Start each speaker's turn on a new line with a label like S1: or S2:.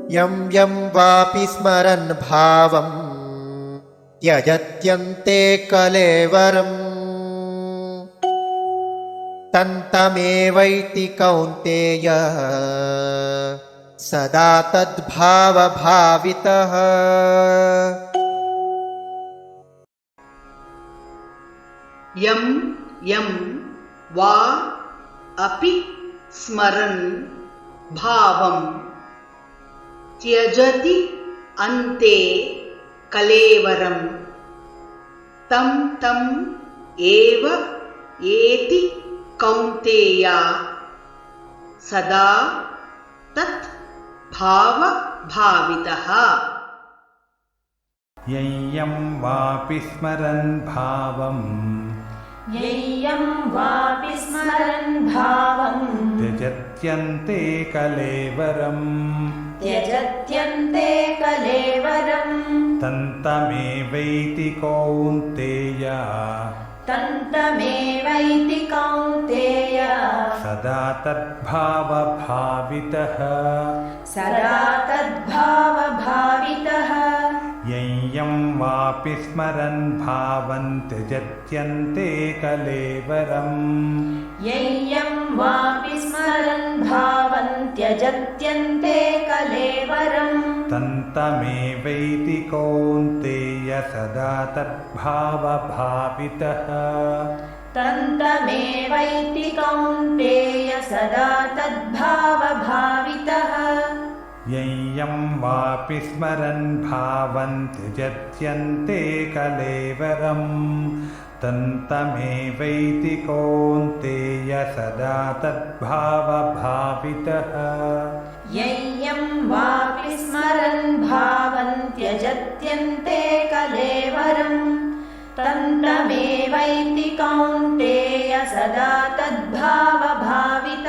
S1: यं यं वापि स्मरन् भावं त्यजत्यन्ते कलेवरम् तन्तमेवैति कौन्तेय सदा तद्भावभावितः।
S2: यं यं वा अपि स्मरन् भावं त्यजति अन्ते कलेवरं तं तम् एव एति कौन्तेया सदा तत् भावभावितः।
S3: यं यं वापि स्मरन् भावं त्यजत्यन्ते कलेवरम् तन्तमेवैति कौन्तेय सदा तद्भावभावितः। यं यं वापि स्मरन् भावं त्यजत्यन्ते कलेवरम् तन्तमेवैति कौन्तेय सदा तद्भावभावितः। यं यं वापि स्मरन् भावं त्यजत्यन्ते कलेवरम् तन्तमेवैति कौन्तेय सदा तद्भावभावितः।
S4: यं यं वापि स्मरन् भावं त्यजत्यन्ते कलेवरम् तन्तमेवैति कौन्तेय सदा तद्भावभावितः।